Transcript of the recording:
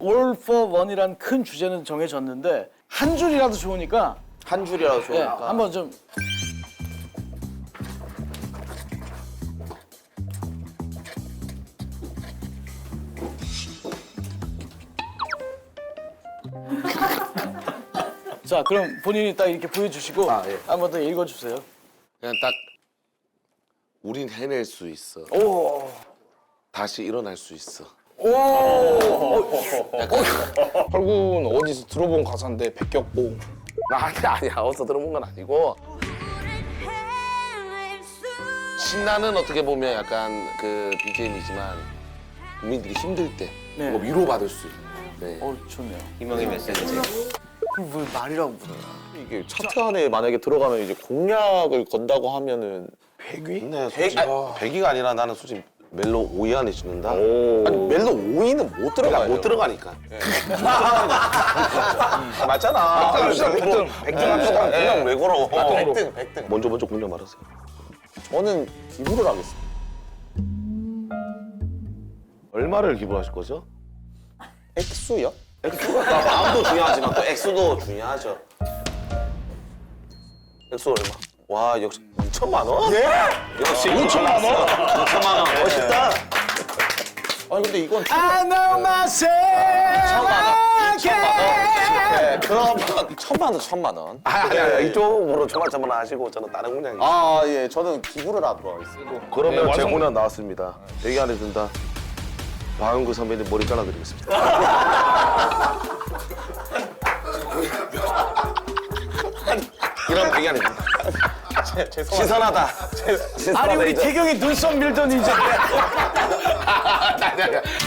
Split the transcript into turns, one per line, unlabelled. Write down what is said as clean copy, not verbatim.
All for One이란 큰 주제는 정해졌는데 한 줄이라도 좋으니까
한 줄이라도
예,
좋으니까.
한번 좀 자, 그럼 본인이 딱 이렇게 보여주시고
아, 예.
한번 더 읽어주세요.
그냥 딱 우린 해낼 수 있어.
오,
다시 일어날 수 있어.
펄군 어디서 들어본 가사인데 백격봉.
아니야. 어디서 들어본 건 아니고. 신나는 어떻게 보면 약간 그 BGM이지만 국민들이 힘들 때
네.
뭐 위로받을 수 있는. 네.
좋네요.
희망의 메시지.
그럼 왜 말이라고 부르나?
이게 차트 안에 만약에 들어가면 이제 공약을 건다고 하면은
근데 솔직히 100위가 아니라 나는 솔직히 멜로 5위 안에 짓는다?
아니 멜로 5위는 못 들어가요.
못 들어가니까.
맞잖아. 100등. 100등 합시다.
그냥 왜 걸어?
100등.
먼저 공략 말하세요.
저는 기부를 하겠습니다.
얼마를 기부하실 거죠?
액수요?
마음도 중요하지만 또 액수도 중요하죠. 액수 얼마? 와 역시 2천만 원? 예? 역시 5천만 원? 2천만 원 멋있다.
아니 근데 이건
I know myself.
그럼 1,000만 원.
아니 이쪽으로 조만조만 하시고 저는 다른 공략이.
아 예, 저는 기부를 하도록 하겠습니다.
그러면
네,
제
완성.
공략 나왔습니다. 여기 안에 든다. 박은구 선배님 머리 잘라드리겠습니다. 이런 배기 아닙니다. 신선하다.
아니 우리 태경이 눈썹 밀더니 이제